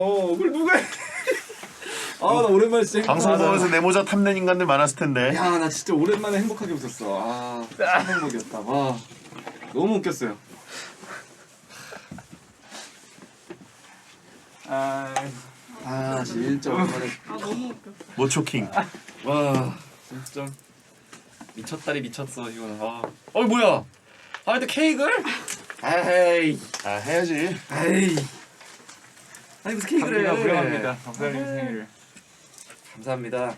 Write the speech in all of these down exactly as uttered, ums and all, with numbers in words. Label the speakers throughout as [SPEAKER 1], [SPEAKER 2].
[SPEAKER 1] 어, 그걸 누가 해? 아, 나 오랜만에 진짜
[SPEAKER 2] 방송 보면서 내 모자 탐낸 인간들 많았을 텐데.
[SPEAKER 1] 야, 나 진짜 오랜만에 행복하게 웃었어. 아, 참 행복이었다. 와, 너무 웃겼어요. 아, 아 진짜 오랜만에.
[SPEAKER 3] 아 너무 웃겨.
[SPEAKER 2] 모초킹.
[SPEAKER 1] 와, 진짜 미쳤다리 미쳤어 이거는. 아, 어 뭐야? 아, 근데 케이크를? 에이,
[SPEAKER 2] 아 해야지.
[SPEAKER 1] 에이. 아니 무슨 케이크를?
[SPEAKER 4] 감사합니다. 무량합니다. 감사님 생일을.
[SPEAKER 1] 감사합니다.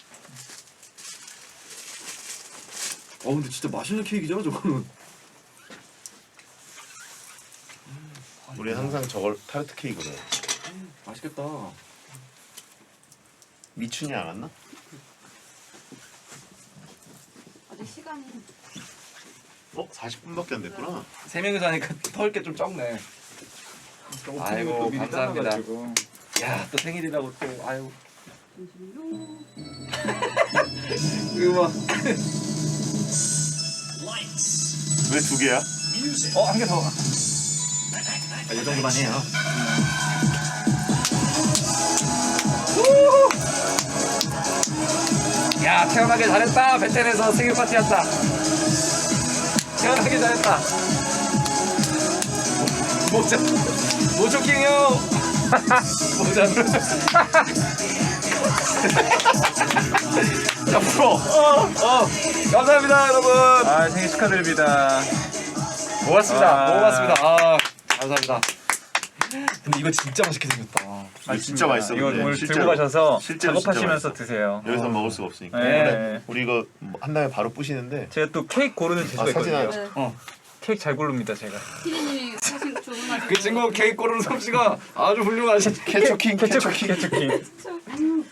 [SPEAKER 1] 어 근데 진짜 맛있는 케이크잖아 저거는.
[SPEAKER 2] 우리 항상 저걸 타르트 케이크로 해.
[SPEAKER 1] 맛있겠다.
[SPEAKER 2] 미춘이 안 왔나?
[SPEAKER 3] 아직 시간이
[SPEAKER 2] 어? 사십 분밖에 안 됐구나.
[SPEAKER 1] 세 명이서 하니까 털 게 좀 적네. 아이고 감사합니다. 야 또 생일이라고 또 아유. 음악.
[SPEAKER 2] 왜 두 개야?
[SPEAKER 1] 어 한 개 더. 아, 이 정도만 해요. 야 태어나게 잘했다. 베텐에서 생일 파티였다. 태어나게 잘했다. 모자 모조킹 형. 모자. 자 풀어. 어, 어. 감사합니다 여러분.
[SPEAKER 4] 아 생일 축하드립니다.
[SPEAKER 1] 고맙습니다.
[SPEAKER 4] 아.
[SPEAKER 1] 고맙습니다. 아 감사합니다. 근데 이거 진짜 맛있게 생겼다.
[SPEAKER 2] 이거 진짜 맛있어.
[SPEAKER 4] 이거
[SPEAKER 2] 근데.
[SPEAKER 4] 오늘
[SPEAKER 2] 실제로.
[SPEAKER 4] 들고 가셔서
[SPEAKER 2] 실제로 진짜
[SPEAKER 4] 작업하시면서
[SPEAKER 2] 맛있어.
[SPEAKER 4] 드세요.
[SPEAKER 2] 여기서 먹을 수가 없으니까.
[SPEAKER 4] 네.
[SPEAKER 2] 그래. 우리 이거 한 다음에 바로 부시는데.
[SPEAKER 4] 제가 또 케이크 고르는 재주가
[SPEAKER 2] 아, 사진
[SPEAKER 4] 있거든요.
[SPEAKER 2] 하나.
[SPEAKER 3] 네.
[SPEAKER 1] 어.
[SPEAKER 4] 케이크 잘 고릅니다 제가.
[SPEAKER 3] 피디님이 사실 주문하신
[SPEAKER 1] 그 친구 케이크 고르는 솜씨가 아주 훌륭하시.
[SPEAKER 2] 캐초킹
[SPEAKER 4] 케초킹 케초킹.
[SPEAKER 3] 잠깐만요.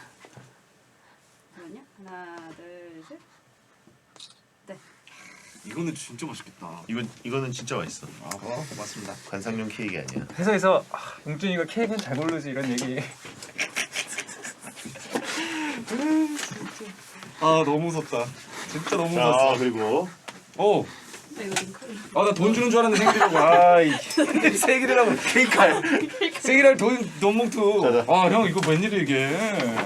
[SPEAKER 3] 하나, 둘, 셋. 네.
[SPEAKER 1] 이거는 진짜 맛있겠다.
[SPEAKER 2] 이건 이거는 진짜 맛있어.
[SPEAKER 1] 아 어, 고맙습니다.
[SPEAKER 2] 관상용 케이크 아니야.
[SPEAKER 4] 회사에서 아, 용준이가 케이크는 잘 고르지 이런 얘기.
[SPEAKER 1] 아 너무 무섭다. 진짜 너무
[SPEAKER 2] 자
[SPEAKER 1] 무섭어.
[SPEAKER 2] 그리고
[SPEAKER 1] 오.
[SPEAKER 3] 네, 이거 좀 크게.
[SPEAKER 1] 아나 돈 주는 줄 알았는데 생일이라고.
[SPEAKER 4] 아이
[SPEAKER 1] 생일이라고 케이크. 생일할 돈 돈봉투.
[SPEAKER 2] 자자.
[SPEAKER 1] 아 형 이거 웬일이 이게.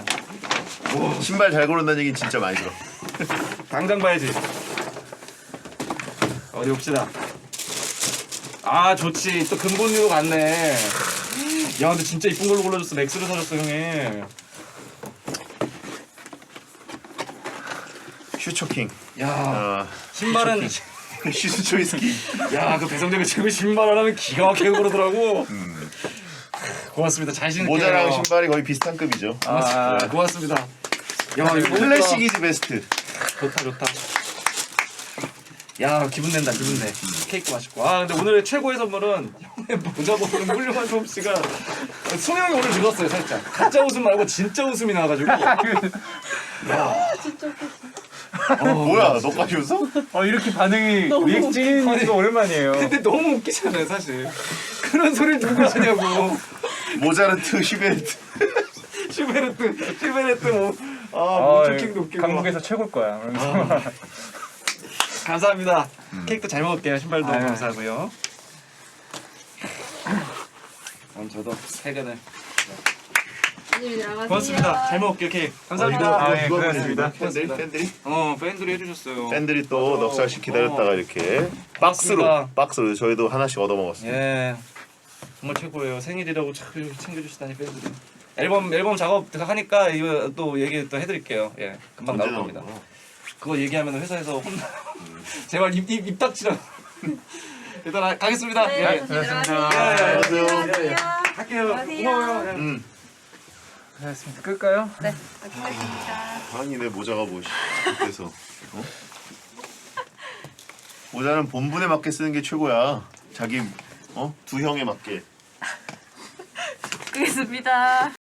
[SPEAKER 2] 신발 잘 고른다는 얘기는 진짜 많이 들어.
[SPEAKER 1] 당장 봐야지. 어디 봅시다. 아 좋지. 또 근본으로 갔네. 야 근데 진짜 이쁜 걸로 골라줬어. 맥스를 사줬어 형이.
[SPEAKER 2] 슈초킹.
[SPEAKER 1] 야
[SPEAKER 2] 아
[SPEAKER 1] 신발은
[SPEAKER 2] 슈즈 초이스키.
[SPEAKER 1] 야 그 배성재가 지금 신발 하나면 기가 막히게 고르더라고.
[SPEAKER 2] 음.
[SPEAKER 1] 고맙습니다. 잘 신을게요.
[SPEAKER 2] 모자랑 신발이 거의 비슷한 급이죠.
[SPEAKER 1] 고맙습니다.
[SPEAKER 4] 아.
[SPEAKER 1] 고맙습니다. 야 이거
[SPEAKER 2] 클래식이지 베스트.
[SPEAKER 1] 좋다 좋다. 야 기분 낸다 기분 내. 케이크 맛있고. 아 근데 오늘의 최고의 선물은 형의 모자 벗는 훌륭한 솜씨가 소영이 오늘 늦었어요 살짝. 가짜 웃음 말고 진짜 웃음이 나와가지고.
[SPEAKER 3] 진짜 웃겨.
[SPEAKER 1] 어,
[SPEAKER 2] 뭐야 너까지 웃어?
[SPEAKER 4] 어 이렇게 반응이
[SPEAKER 3] 너무
[SPEAKER 4] 리액션이 거 오랜만이에요.
[SPEAKER 1] 근데 너무 웃기잖아요 사실. 그런 소리를 누구 하냐고.
[SPEAKER 2] 모자르트 슈베르트.
[SPEAKER 1] 슈베르트 슈베르트 뭐. 아
[SPEAKER 4] 아,
[SPEAKER 1] 모초킹도 웃기고.
[SPEAKER 4] 강북에서 최고일 거야. 그러면서
[SPEAKER 1] 감사합니다. 케이크도 잘 먹을게요. 신발도
[SPEAKER 4] 아유.
[SPEAKER 1] 감사하고요. 그럼 저도 퇴근을.
[SPEAKER 3] 피디님 들어가세요.
[SPEAKER 1] 고맙습니다. 잘 먹을게요 케이크. 감사합니다.
[SPEAKER 4] 아, 예,
[SPEAKER 2] 이거
[SPEAKER 4] 고맙습니다.
[SPEAKER 2] 팬들이 팬들이
[SPEAKER 1] 어 팬들이 해주셨어요.
[SPEAKER 2] 팬들이 또
[SPEAKER 1] 맞아.
[SPEAKER 2] 넉 살씩 기다렸다가
[SPEAKER 1] 어.
[SPEAKER 2] 이렇게 박스로
[SPEAKER 1] 맞습니다.
[SPEAKER 2] 박스로 저희도 하나씩 얻어 먹었어요.
[SPEAKER 1] 예 정말 최고예요. 생일이라고 참 챙겨주시다니 팬들이. 앨범 앨범 작업 하니까 이거 또 얘기 또 해드릴게요. 예 금방 나올
[SPEAKER 2] 언제
[SPEAKER 1] 겁니다.
[SPEAKER 2] 나오나?
[SPEAKER 1] 그거 얘기하면 회사에서 혼나. 제발 입입 입 닥치라. 일단 아, 가겠습니다.
[SPEAKER 3] 네,
[SPEAKER 1] 예.
[SPEAKER 3] 조심히
[SPEAKER 4] 고맙습니다.
[SPEAKER 3] 들어가세요.
[SPEAKER 2] 예, 예,
[SPEAKER 3] 안녕히
[SPEAKER 1] 예, 예.
[SPEAKER 3] 가세요.
[SPEAKER 1] 할게요.
[SPEAKER 3] 안녕하세요.
[SPEAKER 1] 고마워요. 예.
[SPEAKER 2] 음.
[SPEAKER 4] 고맙습니다. 끌까요?
[SPEAKER 3] 네, 끝났습니다.
[SPEAKER 2] 아니 내 모자가 뭐 그래서 어? 모자는 본분에 맞게 쓰는 게 최고야. 자기 어? 두 형에 맞게.
[SPEAKER 3] 끝났습니다.